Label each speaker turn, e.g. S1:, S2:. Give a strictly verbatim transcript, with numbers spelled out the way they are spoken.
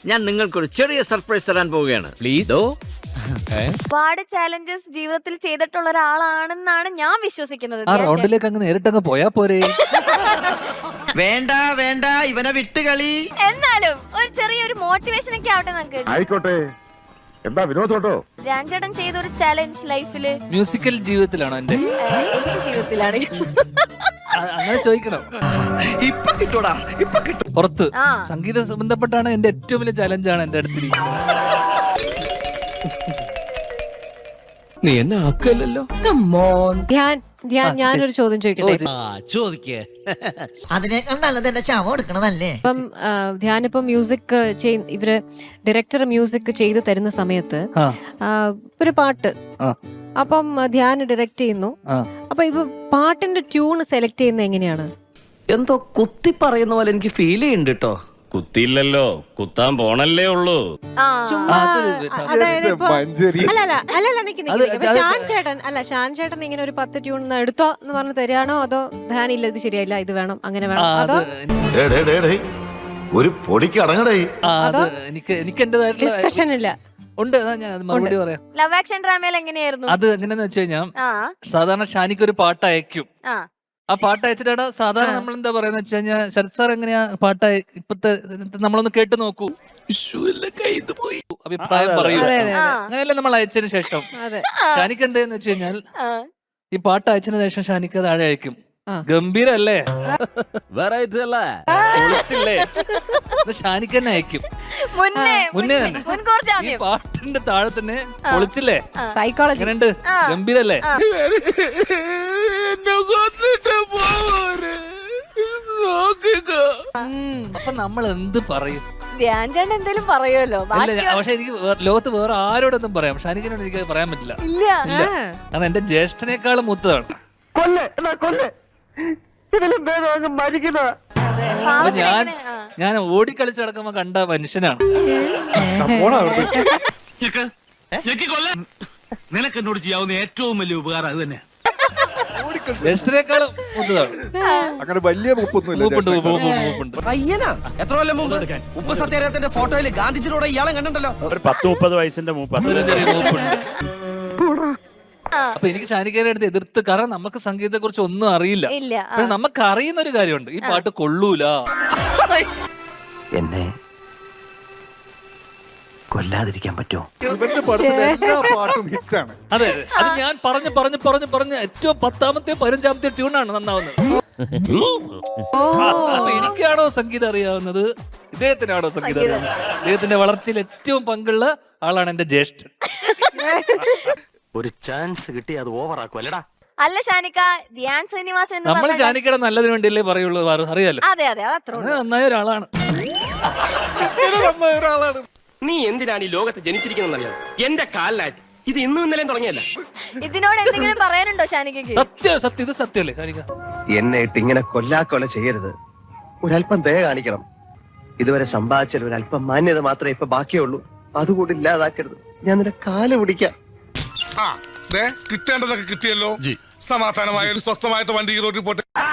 S1: ഞാൻ നിങ്ങൾക്കൊരു ചെറിയ സർപ്രൈസ് തരാൻ പോവുകയാണ്.
S2: പ്ലീസ്.
S3: ഒരുപാട് ചാലഞ്ചസ് ജീവിതത്തിൽ ചെയ്തിട്ടുള്ള ഒരാളാണെന്നാണ് ഞാൻ വിശ്വസിക്കുന്നത്.
S2: ആ റൗണ്ടിലേക്ക് അങ്ങ് നേരിട്ടങ്ങ് പോയാ പോരെ.
S4: വേണ്ട വേണ്ട ഇവനെ വിട്ടുകളി.
S3: എന്നാലും ഒരു ചെറിയൊരു മോട്ടിവേഷൻ ഒക്കെ ആവട്ടെ നമുക്ക്.
S5: ആയിക്കോട്ടെ, എന്താ വിനോദോട്ടോ?
S3: ധ്യാൻ ചേട്ടൻ ചെയ്ത ഒരു ചാലഞ്ച് ലൈഫില്
S2: മ്യൂസിക്കൽ ജീവിതത്തിലാണോ എന്റെ?
S3: എന്റെ ജീവിതത്തിലാണ്.
S2: അങ്ങനെ ചോദിക്കണം.
S4: ഇപ്പൊ കിട്ടൂടാ, ഇപ്പൊ കിട്ടും.
S2: പുറത്ത്
S3: ആ.
S2: സംഗീത സംബന്ധപ്പെട്ടാണ് എന്റെ ഏറ്റവും വലിയ ചലഞ്ചാണ് എന്റെ അടുത്തിരിക്കുന്നത്. നീ എന്നെ ആക്കല്ലോ.
S6: ധ്യാൻ ധ്യാൻ ഞാനൊരു ചോദ്യം ചോദിക്കട്ടെ?
S1: ചോദിക്കേ.
S4: അതിനേക്കാൾ നല്ലത് എന്റെ ശവം എടുക്കണതല്ലേ.
S6: ഇപ്പം ധ്യാൻ ഇപ്പൊ മ്യൂസിക് ഇവര് ഡയറക്ടർ മ്യൂസിക് ചെയ്ത് തരുന്ന സമയത്ത്
S2: ആ.
S6: ആ, ഒരു പാട്ട്
S2: ആ.
S6: അപ്പം ധ്യാൻ ഡയറക്ട് ചെയ്യുന്നു.
S2: ആ.
S6: അപ്പൊ ഇപ്പൊ പാട്ടിന്റെ ട്യൂൺ സെലക്ട് ചെയ്യുന്നത് എങ്ങനെയാണ്?
S4: എന്തോ കുത്തി പറയുന്ന പോലെ എനിക്ക് ഫീൽ ചെയ്യുന്നുണ്ട് കേട്ടോ.
S7: കുത്തിയില്ലല്ലോ, കുത്താൻ പോണല്ലേ ഉള്ളൂ.
S3: ആ.
S6: ചുമ്മാ
S2: അത്
S6: അതായത് ഇപ്പൊ അല്ല അല്ല അല്ല അല്ല നിക്ക് നിക്ക്
S2: അത്
S6: നിക്ക്. ഇപ്പൊ ഷാൻ ചേട്ടൻ അല്ല ഷാൻ ചേട്ടൻ ഇങ്ങനെ ഒരു പത്ത് ട്യൂൺ എടുത്തോ എന്ന് പറഞ്ഞ് തരികയാണോ അതോ ധ്യാൻ ഇല്ല ഇത് ശരിയായില്ല ഇത് വേണം അങ്ങനെ വേണം അതോ
S5: ഒരു പൊടിക്ക് അടങ്ങടേ.
S2: ആ, അത് എനിക്ക് എനിക്ക് എന്റേതായിട്ടുള്ള
S6: ഡിസ്കഷൻ ഇല്ല?
S2: ഉണ്ട്. അതാ ഞാൻ അത് മറുപടി പറയാം.
S3: ലവ് ആക്ഷൻ ഡ്രാമയിൽ എങ്ങനെയായിരുന്നു?
S2: അത് എങ്ങനെയാന്ന് വെച്ച് കഴിഞ്ഞാൽ
S3: ആ
S2: സാധാരണ ഷാനിക്ക് ഒരു പാട്ട് അയക്കും.
S3: ആ
S2: ആ പാട്ട് അയച്ചിട്ടാണ് സാധാരണ നമ്മൾ എന്താ പറയാന്ന് വെച്ച് കഴിഞ്ഞാൽ ശരത് സാർ എങ്ങനെയാ പാട്ട് ഇപ്പത്തെ നമ്മളൊന്ന് കേട്ട് നോക്കൂ, പോയി അഭിപ്രായം പറയൂ.
S6: അതെ അതെ
S3: ആ.
S2: അങ്ങനെയല്ലേ നമ്മൾ അയച്ചതിന് ശേഷം.
S6: അതെ
S2: ഷാനിക്ക് എന്താന്ന് വെച്ച് കഴിഞ്ഞാൽ
S3: ആ.
S2: ഈ പാട്ട് അയച്ചതിന് ശേഷം ഷാനിക്ക് താഴെ അയക്കും,
S6: ആ.
S2: ഗംഭീരല്ലേ,
S1: വെറൈറ്റി അല്ലേ,
S2: പൊളിച്ചില്ലേ, ഇത് ഷാനിക്ക് തന്നെ അയക്കും.
S3: മുന്നേ
S2: മുന്നേ തന്നെ
S3: മുൻകൂർ
S2: ഈ
S3: ജാമ്യം.
S2: പാട്ടിന്റെ താഴെ തന്നെ പൊളിച്ചില്ലേ,
S6: സൈക്കോളജി
S2: എങ്ങനെയുണ്ട്, ഗംഭീരല്ലേ. അപ്പൊ നമ്മൾ എന്ത് പറയും?
S3: ധ്യാൻ ചേട്ടൻ എന്തേലും പറയുമല്ലോ.
S2: ഇല്ല, പക്ഷെ എനിക്ക് വേ- ലോകത്ത് വേറെ ആരോടൊന്നും പറയാം, ഷാനിക്കിനോട് എനിക്ക് പറയാൻ പറ്റില്ല.
S3: ഇല്ല.
S2: ഇല്ല, കാരണം എന്റെ ജ്യേഷ്ഠനേക്കാളും മൂത്തതാണ്. അപ്പൊ ഞാൻ ഞാൻ ഓടിക്കളിച്ച് നടക്കുമ്പോ കണ്ട മനുഷ്യനാണ്.
S7: നിനക്ക് എന്നോട് ചെയ്യാവുന്ന ഏറ്റവും വലിയ ഉപകാരം അത് തന്നെ.
S2: ജ്യേഷ്ഠനേക്കാളും മൂത്തതാണ്.
S5: അങ്ങനെ വലിയ മുപ്പൊന്നുമില്ല.
S2: മൂപ്പുണ്ട്, മൂപ്പ്, മൂപ്പ്, മൂപ്പുണ്ട്.
S4: പയ്യനാ എത്ര കൊല്ലം മുമ്പ് ഉപ്പ് സത്യാഗ്രഹത്തിന്റെ ഫോട്ടോയിൽ ഗാന്ധിജിയോടെ ഇയാളെ കണ്ടല്ലോ.
S7: ഒരു പത്ത് മുപ്പത് വയസ്സിന്റെ മൂപ്പ്.
S2: അതിലും ചെറിയ മൂപ്പുണ്ട്. അപ്പൊ എനിക്ക് ഷാനിക്കേനെ അടുത്ത് എതിർത്ത്, കാരണം നമുക്ക് സംഗീതത്തെ കുറിച്ച് ഒന്നും അറിയില്ല.
S3: ഇല്ല. ആ.
S2: പക്ഷെ നമുക്ക് അറിയുന്ന ഒരു കാര്യമുണ്ട്, ഈ പാട്ട് കൊള്ളൂല.
S4: എന്നെ കൊല്ലാതിരിക്കാൻ പറ്റുമോ?
S5: ഇവന്റെ പടത്തിലെ എല്ലാ പാട്ടും ഹിറ്റാണ്.
S2: അതെ, അത് ഞാൻ പറഞ്ഞു പറഞ്ഞു പറഞ്ഞു പറഞ്ഞ് ഏറ്റവും പത്താമത്തെ പതിനഞ്ചാമത്തെ ട്യൂണാണ് നന്നാവുന്നത്. അപ്പൊ എനിക്കാണോ സംഗീതം അറിയാവുന്നത്, ഇദ്ദേഹത്തിനാണോ സംഗീതം അറിയാവുന്നത്? ഇദ്ദേഹത്തിന്റെ വളർച്ചയിൽ ഏറ്റവും പങ്കുള്ള ആളാണ് എന്റെ ജ്യേഷ്ഠൻ.
S7: ഒരു ചാൻസ് കിട്ടി അത് ഓവർ ആക്കും അല്ലടാ.
S3: അല്ല ഷാനിക്ക, ധ്യാൻ ശ്രീനിവാസൻ എന്ന്
S2: നമ്മൾ
S3: പറഞ്ഞാൽ-
S2: ജാനിക്കയുടെ നല്ലതിന് വേണ്ടിയല്ലേ പറയുള്ളൂ, വേറെ അറിയാലോ.
S3: അതെ അതെ അത്ര
S2: അങ്ങനെ നന്നായ ഒരാളാണ്.
S8: നീ എന്തിനാണ് ഈ ലോകത്ത് ജനിച്ചിരിക്കുന്നറിയാം? എന്റെ കാലിലായിട്ട് ഇത് ഇന്നും ഇന്നലെയും തുടങ്ങിയല്ല.
S3: ഇതിനോട് എന്തെങ്കിലും പറയാനുണ്ടോ ഷാനിക്കയ്ക്ക്?
S2: സത്യം സത്യം ഇത് സത്യമല്ലേ ഷാനിക്ക?
S4: എന്നെ ഇട്ട് ഇങ്ങനെ കൊല്ലാക്കൊല ചെയ്യരുത്. ഒരല്പം ദയ കാണിക്കണം. ഇതുവരെ സമ്പാദിച്ചാൽ ഒരല്പം മാന്യത മാത്രമേ ഇപ്പൊ ബാക്കിയുള്ളൂ. അതുകൂടി ഇല്ലാതാക്കരുത്. ഞാൻ നിന്റെ കാല് പിടിക്കാം.
S5: കിട്ടേണ്ടതൊക്കെ കിട്ടിയല്ലോ. സമാധാനമായ ഒരു സ്വസ്ഥമായിട്ട് വണ്ടി റോഡിൽ പോട്ടെ.